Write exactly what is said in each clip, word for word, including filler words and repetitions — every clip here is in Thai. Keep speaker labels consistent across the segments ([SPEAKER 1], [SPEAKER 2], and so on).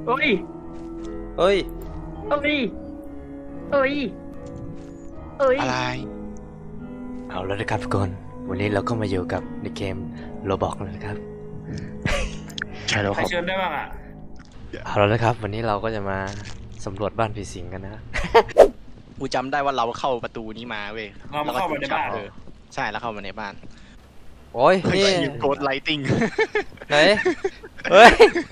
[SPEAKER 1] เอ้ย
[SPEAKER 2] เฮ้ย
[SPEAKER 1] เอ้ยเอ้ยเอ้ย
[SPEAKER 3] อะไร
[SPEAKER 2] เอาแล้วนะครับทุกคนวันนี้เราก็มาอยู่กับในเกมโรบอกแล้วนะครับ
[SPEAKER 3] ใช่แล้ว
[SPEAKER 4] ใค
[SPEAKER 3] ค
[SPEAKER 4] ร
[SPEAKER 3] รับ
[SPEAKER 4] เชิญได้บ้างอ่ะ
[SPEAKER 2] เอาแล้วนะครับ วันนี้เราก็จะมาสำรวจบ้านผีสิงกันนะ
[SPEAKER 3] กูจำได้ว่าเราเข้าประตูนี้มาเว้ย
[SPEAKER 4] เราเข้ามาในบ้าน
[SPEAKER 3] เออใช่แล้วเข้ามาในบ้าน
[SPEAKER 2] โอ้ยนี่
[SPEAKER 3] โกดไลติง
[SPEAKER 2] ไหนเฮ้ย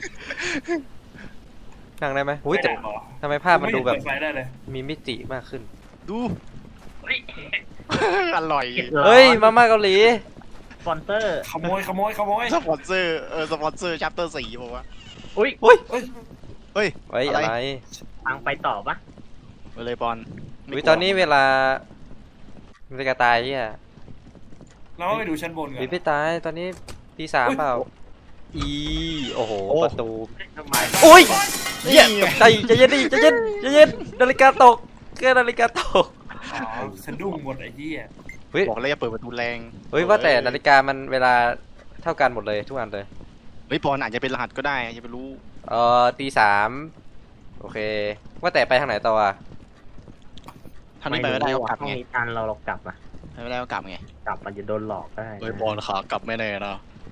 [SPEAKER 2] นั่งได้ไหมอุ้ยแต่
[SPEAKER 4] ไม่ได้หรอ
[SPEAKER 2] ทำไมภาพมันดูแบบ
[SPEAKER 4] ไเห็เปิไฟได้เลย
[SPEAKER 2] มีมิติมากขึ้น
[SPEAKER 3] ดู
[SPEAKER 4] เฮ้ย
[SPEAKER 3] อร่อย
[SPEAKER 2] เฮ้ยมาม่าเกาหลี
[SPEAKER 1] สปอนเซอร์
[SPEAKER 4] ขโมยขโมยขโมย
[SPEAKER 3] สปอนเซอร์เออสปอนเซอร์ชัปเตอร์สี่บอกว่า
[SPEAKER 1] อุ้ย
[SPEAKER 2] อุ้ย
[SPEAKER 4] เฮ้ย
[SPEAKER 3] เฮ้ย
[SPEAKER 2] ไว้ย
[SPEAKER 3] อะไร
[SPEAKER 2] อะไร
[SPEAKER 1] ทางไปต่อปะ
[SPEAKER 3] ไปเลยบอลไม่
[SPEAKER 2] อุ้ย
[SPEAKER 3] กลัว
[SPEAKER 2] ตอนนี้เวลาเวลาตายเนี่ย
[SPEAKER 4] เราไปดูชั้นบนกัน
[SPEAKER 2] พี่ไม่ตายตอนนี้ตีสาม
[SPEAKER 4] อุ๊ย
[SPEAKER 2] เปล่าอีโอ้โหประตู
[SPEAKER 1] ทำไม
[SPEAKER 2] อุ้ย
[SPEAKER 3] นี่
[SPEAKER 2] เหี้ย
[SPEAKER 3] ไง
[SPEAKER 2] ตกใจใจเย็นดิใจเย็นใจเย็นนาฬิกาตกแค่นาฬิกาตก
[SPEAKER 4] อ๋อสะดุ้งหมดไอ้ที่อ่ะ
[SPEAKER 2] เฮ้ย
[SPEAKER 3] บอกเลยอย่าเปิดประตูแรง
[SPEAKER 2] เฮ้ยว่าแต่นาฬิกามันเวลาเท่ากันหมดเลยทุกอันเลย
[SPEAKER 3] เฮ้ยบอลอาจจะเป็นรหัสก็ได้อย่าไปรู้
[SPEAKER 2] เอ่อตีสามโอเค ว่าแต่ไปทางไหนต่ออ่ะ
[SPEAKER 3] ทางนี้ไปไม่ได้ก็กลับ
[SPEAKER 1] ห้อง
[SPEAKER 3] ไง
[SPEAKER 1] นี้ตันเราเรากลับอะ
[SPEAKER 3] ไปไม่ได้ก็กลับไง
[SPEAKER 1] กลับมันจะโดนหลอกได้
[SPEAKER 3] เฮ้ยบอลขากลับไม่แน่นะ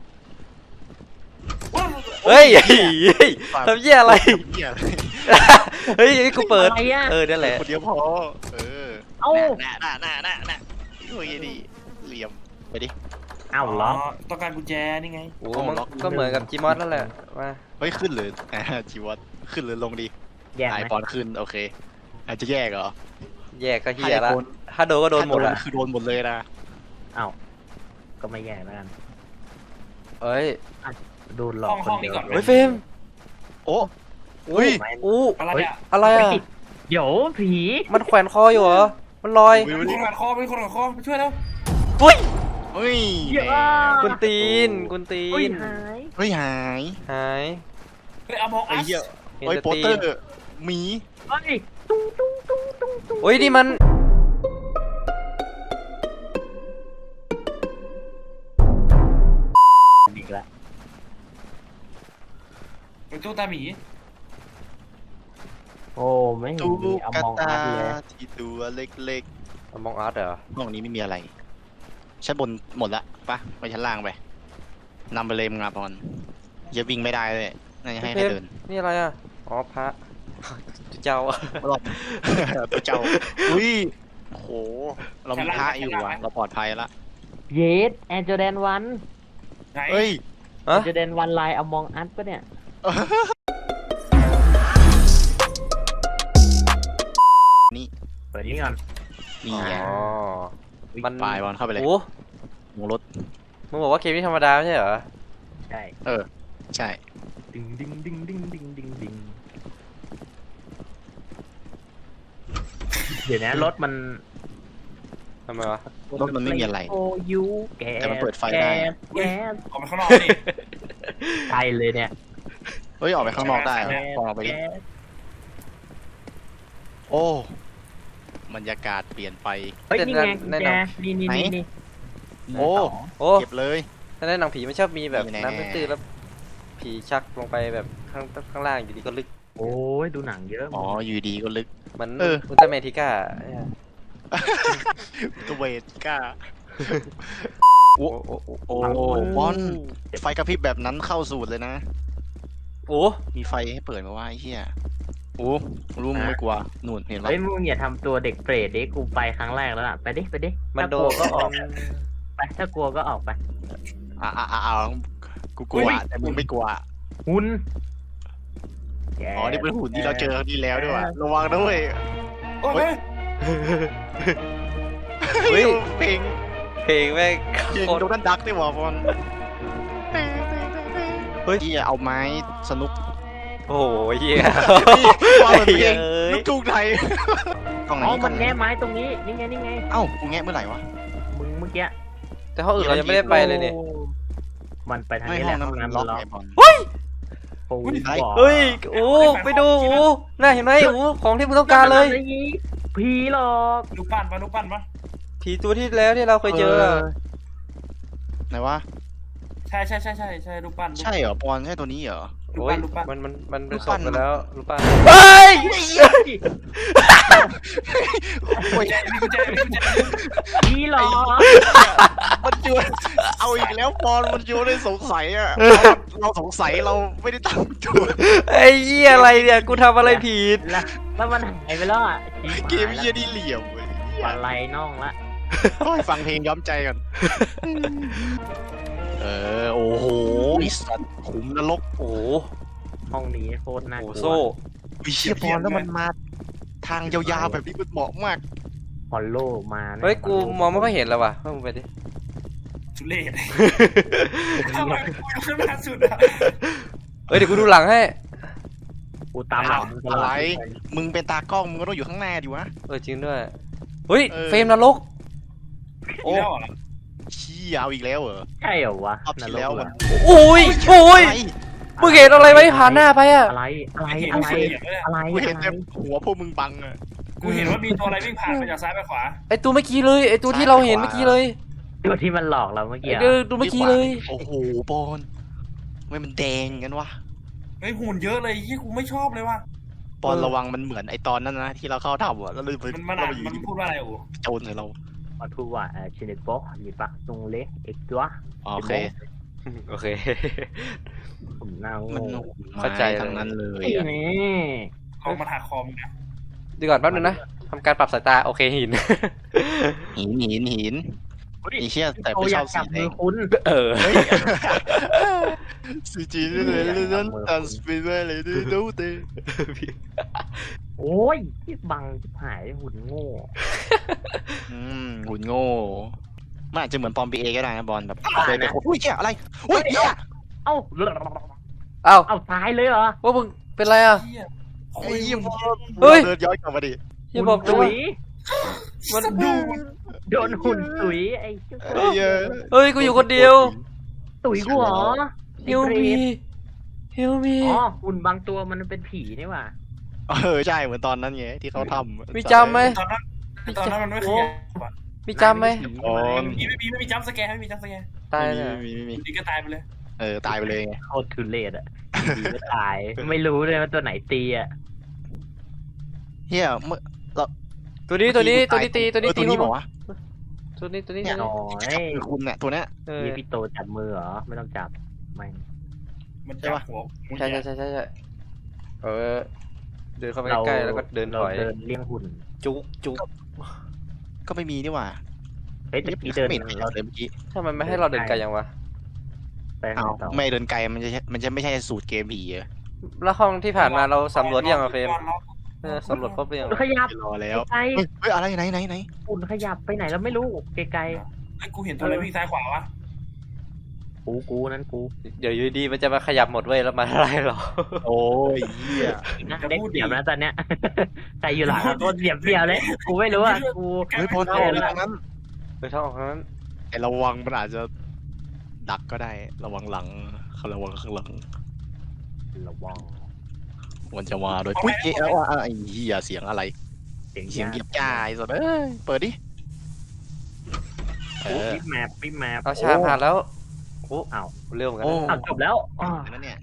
[SPEAKER 2] เฮ้ยเฮ้ยทำเหี้ยอะไร
[SPEAKER 3] เหี้ย
[SPEAKER 2] เฮ้ยกูเปิด
[SPEAKER 1] อะไรอะ
[SPEAKER 2] เออนั่นแหละ
[SPEAKER 3] คนเดียวพอเออ
[SPEAKER 1] เอ้า
[SPEAKER 3] น่ะน่ะน่ะน่ะน่ะโอ้ยดีเหลี่ยมไปดิ
[SPEAKER 1] เอ้า
[SPEAKER 4] อ๋อ
[SPEAKER 1] ล็อก
[SPEAKER 4] ต้องการกุญแจนี่ไง
[SPEAKER 2] โอ้มันก็เหมือนกับจีมอสนั่นแหละมา
[SPEAKER 3] เฮ้ยขึ้นหรืออ่าจีวัตขึ้นหรือลงดี
[SPEAKER 1] แยก
[SPEAKER 3] ไอ
[SPEAKER 1] ไหม
[SPEAKER 3] บอลขึ้นโอเค อาจจะแยกเหรอ
[SPEAKER 2] แยกก็เฮียละ
[SPEAKER 3] ถ้าโดน
[SPEAKER 2] ถ้าโดนก็โดนหมด
[SPEAKER 3] ถ้า
[SPEAKER 2] อ่ะ
[SPEAKER 3] คือโดนหมดเลยนะ
[SPEAKER 1] เอ้าก็ไม่แยกแล้วกัน
[SPEAKER 2] เอ้ย
[SPEAKER 1] โดนหลอ
[SPEAKER 4] ห้
[SPEAKER 1] ก
[SPEAKER 4] อง
[SPEAKER 1] ค
[SPEAKER 4] ห้อน ง
[SPEAKER 1] เดี
[SPEAKER 4] นี้
[SPEAKER 1] ยว
[SPEAKER 4] ก่อนไหม
[SPEAKER 2] เฮ้ยเฟรม
[SPEAKER 3] โอ้อุ้ย
[SPEAKER 1] ไม่
[SPEAKER 2] อู้
[SPEAKER 4] อะไรอ่ะ
[SPEAKER 2] อะไรอ่ะ
[SPEAKER 1] ไม่ติดเดี๋ยวผี
[SPEAKER 2] มันแขวนคออยู่เหรอมันลอย
[SPEAKER 4] เป็นคนขัดคอเป็นคนขัดคอไปช่วยแล้ว
[SPEAKER 2] ปุ้ย
[SPEAKER 3] เฮ้ย
[SPEAKER 1] เยอะ
[SPEAKER 2] กุนตีนกุนตี
[SPEAKER 1] อุ้ย
[SPEAKER 2] น
[SPEAKER 1] หาย
[SPEAKER 3] เฮ้ยหาย
[SPEAKER 2] หาย
[SPEAKER 4] เฮ้ยเอามอง
[SPEAKER 3] ไอ้
[SPEAKER 4] อัส
[SPEAKER 3] เหี้ย
[SPEAKER 2] เห็น
[SPEAKER 3] เฮ้ย
[SPEAKER 2] แต่
[SPEAKER 3] โปส
[SPEAKER 2] ตี
[SPEAKER 3] เตอน ร์หมี
[SPEAKER 1] เฮ้ยตุ้งตุ้งตุ้งตุ้งตุ้ง
[SPEAKER 2] โอ้ยนี่มัน
[SPEAKER 1] อีกแล้ว
[SPEAKER 4] เป็นตู้ตาหมี
[SPEAKER 1] โอ้ไม่เห็น
[SPEAKER 3] ตู้
[SPEAKER 1] มีอ
[SPEAKER 3] กระ
[SPEAKER 1] มอง
[SPEAKER 3] ตา
[SPEAKER 1] อัดเลย
[SPEAKER 3] ที่ตัวเล็ก
[SPEAKER 2] อมองอาร์ตเหรอ
[SPEAKER 3] ๆห้องนี้ไม่มีอะไรชั้นบนหมดละปะไปชั้นล่างไปนำไปเลยมึงอ่ะบอลอย่าวิ่งไม่ได้เลยน่าจะให้ให้เดิน
[SPEAKER 2] นี่อะไรอ่ะอ๋อพระเจ้าอะ
[SPEAKER 3] รอบ ตัวเจ้าอุ้ยโอ้โหเรามีพระอยู่ว่ะเราปลอดภัยละ
[SPEAKER 1] เยสแอนเจอร์แดนวัน
[SPEAKER 4] ไหน
[SPEAKER 3] เฮ้ย
[SPEAKER 1] แอนเจอร์แดนวันไลน์อมองอัดปะเนี่ย
[SPEAKER 3] นี่
[SPEAKER 1] เปิดนี่ก่อน
[SPEAKER 3] นี่
[SPEAKER 2] อ๋
[SPEAKER 3] ไง
[SPEAKER 2] อมัน
[SPEAKER 3] ปลายบอลเข้าไปเลย
[SPEAKER 2] โอ้
[SPEAKER 3] ลงรถ
[SPEAKER 2] มึงบอกว่าเกมนี้ธรรมดาไม่ใช่เหรอ
[SPEAKER 1] ใช่
[SPEAKER 3] เออ ใช่
[SPEAKER 1] ดึงดึงดึงดึงดึงดึงดึงเดี๋ยวนะรถมัน
[SPEAKER 2] ทำไมวะ
[SPEAKER 3] รถมันไม่มีอะไร
[SPEAKER 1] โอ้ยูแก
[SPEAKER 3] แต่มันเปิดไฟได้
[SPEAKER 1] แก๊ส
[SPEAKER 4] ออกมาข้างนอกนี่
[SPEAKER 1] ไกลเลยเนี่ย
[SPEAKER 3] เฮ้ย ออกไปข้างนอกได้เหรอ
[SPEAKER 1] แก๊ส
[SPEAKER 3] ลองออกไปดิ
[SPEAKER 1] แก๊ส
[SPEAKER 3] โอ้บรรยากาศเปลี่ยนไป
[SPEAKER 1] เฮ้ยนี่ไงกุญแจนี่นี่
[SPEAKER 3] ไหน
[SPEAKER 1] นี่นี่
[SPEAKER 3] โอ้
[SPEAKER 2] โอ้
[SPEAKER 3] เก็บเลย
[SPEAKER 2] ถ้าในหนังผีมันชอบมีแบบ
[SPEAKER 3] นี่แน่
[SPEAKER 2] น้ำตื้นๆแล้วผีชักลงไปแบบข้างข้างล่างอยู่ดีก็ลึก
[SPEAKER 1] โอ้ยดูหนังเยอะ
[SPEAKER 3] อ๋อ อยู่ดีก็ลึก
[SPEAKER 2] เหมัน
[SPEAKER 3] เออ
[SPEAKER 2] อุลตร้าแมนทิก้าเนี่ย
[SPEAKER 3] ตัวเวทกล้า
[SPEAKER 2] โอ้โอ้โอ้
[SPEAKER 3] โอ้บอลไฟกระพริบแบบนั้นเข้าสูตรเลยนะ
[SPEAKER 2] โอ้
[SPEAKER 3] มีไฟให้เปิดมาว่าไอ้เหี้ยโอ้รู้มึงไม่กลัวหนุนเห็นปะ
[SPEAKER 1] เฮ้ยมึงอย่าทำตัวเด็กเปรตดิกูไปครั้งแรกแล้วอะไปดิไปดิ
[SPEAKER 2] มัน
[SPEAKER 1] ถ้า
[SPEAKER 2] โด
[SPEAKER 1] กลัวน ก็ออกไปถ้ากลัวก็ออกไป
[SPEAKER 3] อ่าอ่าอ่ากูกลัวแต่มึงไม่กลัว
[SPEAKER 1] หุ่น
[SPEAKER 3] อ๋อ นี่เป็นหุ่นที่เราเจอครั้งที่แล้วด้วยว่ะระวังด้วย
[SPEAKER 4] โอ้ย
[SPEAKER 2] เฮ้ย
[SPEAKER 3] เพลง
[SPEAKER 2] เพลงแม่ง
[SPEAKER 3] เพลง
[SPEAKER 2] โคต
[SPEAKER 3] โด
[SPEAKER 2] ร
[SPEAKER 3] นัลดักได้ว่ะบอล
[SPEAKER 2] เฮ้ย
[SPEAKER 3] ที่เอาไม้สนุก
[SPEAKER 2] โอ้ยเหี้ย
[SPEAKER 3] นี่วางเหมือนเพลง
[SPEAKER 2] เอ้ย
[SPEAKER 3] ลูกทุ่งไทยกล่องไหน
[SPEAKER 1] อ๋อ
[SPEAKER 3] กั
[SPEAKER 1] มัน นแง่ไม้ตรงนี้นี่ไงนี่ไง
[SPEAKER 3] เอ้ากูแงะเมื่อไหร่วะ
[SPEAKER 1] มึงเมื่อกี้
[SPEAKER 2] แต่ห้องอื่นเรายังไม่ได้ไปเลยเนี่ย
[SPEAKER 1] โอ้มันไปทาง
[SPEAKER 3] ไม่
[SPEAKER 1] นี้แห
[SPEAKER 3] ห้อง
[SPEAKER 1] ละ
[SPEAKER 3] นั้น
[SPEAKER 1] ห้อง
[SPEAKER 3] มัน
[SPEAKER 1] น้ำ
[SPEAKER 3] ล็
[SPEAKER 1] ล็
[SPEAKER 3] อ
[SPEAKER 1] อก ก
[SPEAKER 3] ไงบอล
[SPEAKER 1] ปู
[SPEAKER 3] เฮ้ย
[SPEAKER 1] บอก
[SPEAKER 2] เฮ้ยโอ้ไปดูโอ้น่าเห็นไหมโอ้ของที่มึงต้องการเลย
[SPEAKER 1] ผีหลอก
[SPEAKER 4] ลูกปั้นปะลูกปั้นปะ
[SPEAKER 2] ผีตัวที่แล้วที่เราเคยเจออะ
[SPEAKER 3] ไหนวะ
[SPEAKER 4] ใช่ใช่ใช่ใช่ใช่ลูกปั้นลูก
[SPEAKER 3] ใช่เหรอบอลใช่ตัวนี้เหรอ
[SPEAKER 4] ลูก
[SPEAKER 2] โอ้ย
[SPEAKER 4] ปั้นลูกปั้น
[SPEAKER 2] มันมันมันเป็น
[SPEAKER 3] รูป
[SPEAKER 2] ศ
[SPEAKER 3] ปั้
[SPEAKER 2] พ
[SPEAKER 3] น
[SPEAKER 2] ไปแล้วรูปปั้นเฮ้ย
[SPEAKER 4] กุญแจมีกุญแจมีกุญแจ
[SPEAKER 1] นี่หรอ
[SPEAKER 3] มันโยนเอาอีกแล้วปอนมันโยนได้สงสัยอ่ะเราสงสัยเราไม่ได้ตั้งตัว
[SPEAKER 2] ไอ้เหี้ยอะไรเนี่ยกูทำอะไรผิด
[SPEAKER 1] แล้วแล้วมันหายไปแล้วอ่ะ
[SPEAKER 3] เกมเยี่ยนี่เหลี่ยมเว้ย
[SPEAKER 1] อะไรน้องละ
[SPEAKER 3] โอ้ยฟังเพลงย้อมใจก่อนเออโอ้โหไอ้สัตว์ขุมนรก
[SPEAKER 2] โอ้โห
[SPEAKER 1] ห้องนี้โคตรน่า
[SPEAKER 2] โอ้
[SPEAKER 1] ก
[SPEAKER 2] โห
[SPEAKER 1] ลัว
[SPEAKER 2] โซ่
[SPEAKER 3] วิเชียปอนแล้วมันมาทางยาวๆแบบนี้มันเหมาะมาก
[SPEAKER 1] ฮอลโลมานะ
[SPEAKER 2] เฮ้ยกูมองไม่ค่อยเห็นแล้วว่ะว่ามึงไปดิ
[SPEAKER 4] ทุเรศทำไมกูอยู่ข้างหน้าสุดอะ
[SPEAKER 2] เฮ้ยเดี๋ยวกูดูหลังให้
[SPEAKER 1] กูตามหลังมึงตล
[SPEAKER 3] อะ
[SPEAKER 1] อ
[SPEAKER 3] ไร
[SPEAKER 1] ด
[SPEAKER 3] มึงเป็นตากล้องมึงก็ต้องอยู่ข้างหน้าดิวะ
[SPEAKER 2] เออจริงด้วยเฮ้ย
[SPEAKER 3] เออ
[SPEAKER 2] เฟรมนรก
[SPEAKER 4] อีกแล้วเหรอ
[SPEAKER 3] ชี้ยาวอีกแล้วเหรอ
[SPEAKER 1] ใช่เหรอวะ
[SPEAKER 3] รอบที่แล้วมัน
[SPEAKER 2] โอ้ยโอ้ย
[SPEAKER 3] อะไร
[SPEAKER 2] มึงเห็นอะไรไหมผ่านหน้าไปอ่ะ
[SPEAKER 1] อะไรอะไร
[SPEAKER 4] เห็น
[SPEAKER 1] อะไร
[SPEAKER 4] เสียงเลยอะ
[SPEAKER 1] อะไร
[SPEAKER 3] กูเห็น
[SPEAKER 1] อะไร
[SPEAKER 3] แต่หัวพวกมึงบังอะ
[SPEAKER 4] กูเห็นว่ามีตัวอะไรวิ่งผ่านมาจากซ้ายไปขวา
[SPEAKER 2] ไอตัวเมื่อกี้เลยไอตัวที่เราเห็นเมื่อกี้เลย
[SPEAKER 1] ตัวที่มันหลอกเราเมื่อ
[SPEAKER 2] ไอ
[SPEAKER 1] กี้อะ
[SPEAKER 2] เดอตัวเมื่อกี้เลย
[SPEAKER 3] โอ้โหปอนทำไม่มันแดงงั้นวะ
[SPEAKER 4] เฮ้ยหุ่นเยอะเลยยี่กูไม่ชอบเลยว่ะ
[SPEAKER 3] ปอนระวังมันเหมือนไอตอนนั้นนะที่เราเข้าทำอะแล้วเลยไป
[SPEAKER 4] มันมัน
[SPEAKER 3] เรา
[SPEAKER 4] อ่ะ
[SPEAKER 3] ไปอยู่
[SPEAKER 4] มัน
[SPEAKER 3] ดี
[SPEAKER 4] พูดว่าอะไรอู๋
[SPEAKER 3] โจรใส่เรา
[SPEAKER 1] มาทูว่าเอ่อชินิโกะหยิบปะตรงเล็กเอกตัว
[SPEAKER 3] อ๋อโอเค
[SPEAKER 2] โอเค
[SPEAKER 1] ผมหน้าโง่
[SPEAKER 3] มัน
[SPEAKER 2] เข้าใจ
[SPEAKER 3] ทั้งนั้นเลย
[SPEAKER 1] นี่
[SPEAKER 3] อะ
[SPEAKER 1] นี่
[SPEAKER 4] เอามาถักคอมงนะ
[SPEAKER 2] ดีก่อนแป๊บนึงนะทำการปรับสายตาโอเคหิน
[SPEAKER 3] หินหินหินไอเชี่ยแต่
[SPEAKER 1] โอ
[SPEAKER 3] ไม่
[SPEAKER 1] อ
[SPEAKER 3] ช
[SPEAKER 1] ยา
[SPEAKER 3] อก บ
[SPEAKER 1] จั
[SPEAKER 3] สี
[SPEAKER 1] บ
[SPEAKER 3] แด
[SPEAKER 1] มือง คุณ
[SPEAKER 2] เออ
[SPEAKER 3] สีจีนเลยเลยนั่นตันสปีดเลยดูดูเต
[SPEAKER 1] โอ้ยที่บังที่หายหุ่นโง่
[SPEAKER 3] อืมหุ่นโง่มันอาจจะเหมือนปอมปีเอก็ได้นะบอลแบบเคยไปโอุ้ยเชี่ยอะไรอุ้ยเชี่ย
[SPEAKER 1] เอ้า
[SPEAKER 2] เอ้า
[SPEAKER 1] เอ้าตายเลยเหรอ
[SPEAKER 2] ว่ามึงเป็นไรอ่ะ
[SPEAKER 4] เหี้ย
[SPEAKER 3] ไอ้ยี่บอล
[SPEAKER 2] เฮ้ย
[SPEAKER 3] เดินย้อนกลับมาดิ
[SPEAKER 2] อย่าบอกนะ
[SPEAKER 1] ตุ๋
[SPEAKER 2] ว่าย มัน
[SPEAKER 4] ดู
[SPEAKER 1] โดนหุ่นตุ๋ยไอ้เจ้า
[SPEAKER 3] ไอ้เหี้ย
[SPEAKER 2] เฮ้ยกูอยู่คนเดียว
[SPEAKER 1] ตุ๋ยกูเหรอ
[SPEAKER 2] เฮลมีเฮลมี
[SPEAKER 1] อ๋อหุ่นบางตัวมันเป็นผีนี่หว่า
[SPEAKER 3] เออใช่เหมือนตอนนั้นไงที่เขาทำ
[SPEAKER 2] มีจำไหม
[SPEAKER 4] ตอนนั้นตอนนั้นมันไม่ขยับอะ
[SPEAKER 2] มีจำไหม
[SPEAKER 3] อ๋อ
[SPEAKER 4] ไม่มีไม่มีไม่มีจัมป์สแกร์ไม่มีจัมป์สแกร์
[SPEAKER 2] ตาย
[SPEAKER 3] ไม่
[SPEAKER 2] เลย
[SPEAKER 3] มีไม่มี
[SPEAKER 4] ดีก็ตายไปเลย
[SPEAKER 3] เออตายไปเลยไง
[SPEAKER 1] โคตรทุเรศอ่ะผีก็ตาย ไม่รู้เลยว่าตัวไหนตีอ่ะ
[SPEAKER 3] เฮียเมื่อ
[SPEAKER 2] ตัวนี้ตัวนี้ตัวนี้ตีตัวนี้
[SPEAKER 3] เออ
[SPEAKER 2] ตี
[SPEAKER 3] ตัวนี้บอกว่า
[SPEAKER 2] ตัวนี้ตัวนี้
[SPEAKER 3] เนี่ย
[SPEAKER 2] ตัวนี้
[SPEAKER 1] โอ้
[SPEAKER 3] จับ
[SPEAKER 1] ย
[SPEAKER 3] มือคุณเนี่ยตัวเนี้ย
[SPEAKER 2] เออ
[SPEAKER 1] นี่พี่โตจับมือเหรอ ไม่ต้องจับไม่
[SPEAKER 4] มันจับหัว
[SPEAKER 2] ใช่ใช่ใช่ใช่ใช่เออเดินเข้าไปใกล้ๆแล้วก็เดินถอย
[SPEAKER 1] เราเดินเลี้ยงหุ่น
[SPEAKER 2] จุกจุก
[SPEAKER 3] ก็ไม่มีนี่หว่า
[SPEAKER 1] เฮ้ยตะกี้เดิน
[SPEAKER 3] ไม่เห็น
[SPEAKER 1] เรา
[SPEAKER 3] เลยเมื่อกี้
[SPEAKER 2] ถ้ามันไม่ให้เราเดินไกลยังวะ
[SPEAKER 1] ไป
[SPEAKER 3] อ้า
[SPEAKER 1] ข้าว งต่อ
[SPEAKER 3] ไม่เดินไกลมันจะมันจะไม่ใช่สูตรเกมผีเหรอ
[SPEAKER 2] แล้วห้องที่ผ่านมาเราสำรวจยังอะเฟรมเออสำรวจครบหรือยัง
[SPEAKER 1] ขยับ
[SPEAKER 3] รอแล้ว
[SPEAKER 1] ไกล
[SPEAKER 3] เฮ้ยเฮ้ยอะไรไหนไหนไหน
[SPEAKER 1] ๆหุ่นขยับไปไหนเราไม่รู้ไกล
[SPEAKER 4] ไอ้กูเห็นตัวอะไรวิ่งซ้ายขวาวะ
[SPEAKER 1] ๆกูกูนั่นกู
[SPEAKER 2] เดี๋ยวอยู่ดีมันจะมาขยับหมดเว้ยแล้วมาอะไรหรอ
[SPEAKER 3] โอ้ยเหี้ย
[SPEAKER 1] นั่งเด็กเสียบนะตอนเนี้ย ใครอยู่หลังอะตัวเสียบเดียวเลย กูไม่รู้อ่ะกู
[SPEAKER 3] เฮ้ยพอทางทางนั้น
[SPEAKER 2] ไปท่องนั้น
[SPEAKER 3] แต่ระวังมันอาจจะดักก็ได้ระวังหลังระวังข้างหลัง
[SPEAKER 1] ระวัง
[SPEAKER 3] มันจะมาโดยอุ้ยเอ๊ะว่าไอ้เหี้ยเสียงอะไร
[SPEAKER 1] เสียง
[SPEAKER 3] เสียงเหยี
[SPEAKER 1] ยาย
[SPEAKER 3] บจ้าไอ้สัสเอ้ยเปิดดิเออ
[SPEAKER 1] ปิ๊บแมปปิ๊บแมป
[SPEAKER 2] เอาชาผ่านแล้วโอ้
[SPEAKER 1] อ้าว
[SPEAKER 2] เร็วเหมือนกัน
[SPEAKER 3] โอ้
[SPEAKER 2] นะ
[SPEAKER 1] อ้าวจบแล้วอ๋อ
[SPEAKER 3] นั่นเนี่ย